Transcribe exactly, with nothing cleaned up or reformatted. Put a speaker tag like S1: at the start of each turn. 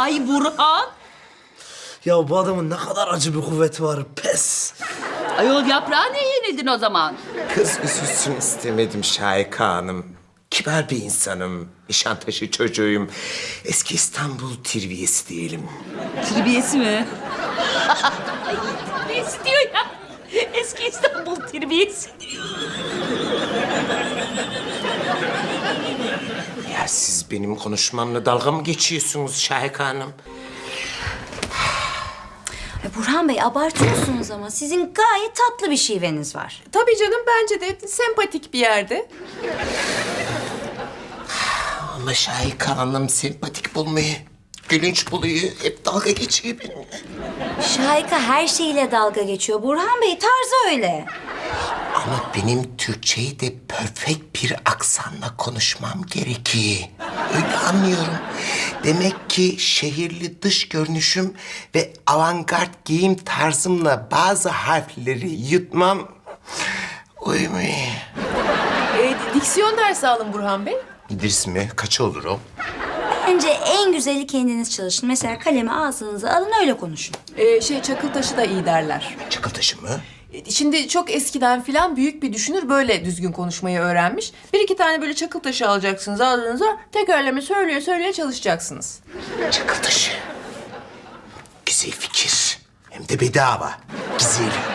S1: Ay Burhan.
S2: Ya bu adamın ne kadar acı bir kuvveti var. Pes.
S1: Ayol yaprağa ne yenildin o zaman?
S3: Kız üzülsün istemedim Şahika Hanım. Kibar bir insanım. Nişantaşı çocuğuyum. Eski İstanbul tirviyesi diyelim.
S1: Terbiyesi mi? Ay terbiyesi diyor ya. Eski İstanbul terbiyesi diyor.
S3: Ya siz benim konuşmamla dalga mı geçiyorsunuz Şahika Hanım?
S4: Ay Burhan Bey abartıyorsunuz ama sizin gayet tatlı bir şiveniz var.
S5: Tabii canım, bence de sempatik bir yerde.
S3: Ama Şahika Hanım sempatik bulmayı, gülünç buluyor. Hep dalga geçiyor benimle.
S4: Şahika her şeyiyle dalga geçiyor. Burhan Bey tarzı öyle.
S3: Ama benim Türkçeyi de perfect bir aksanla konuşmam gerekiyor. Öyle anlıyorum. Demek ki şehirli dış görünüşüm ve avantgard giyim tarzımla bazı harfleri yutmam uymuyor.
S5: Ee, diksiyon dersi alın Burhan Bey.
S3: İdris mi? Kaç olur o?
S4: Bence en güzeli kendiniz çalışın. Mesela kalemi ağzınıza alın öyle konuşun.
S5: Ee, şey Çakıltaş'ı da iyi derler.
S3: Çakıltaşı mı?
S5: Ee, Şimdi çok eskiden filan büyük bir düşünür böyle düzgün konuşmayı öğrenmiş. Bir iki tane böyle Çakıltaş'ı alacaksınız ağzınıza. Tekerleme söyleye söyleye çalışacaksınız.
S3: Çakıltaşı. Güzel fikir. Hem de bedava. Güzel.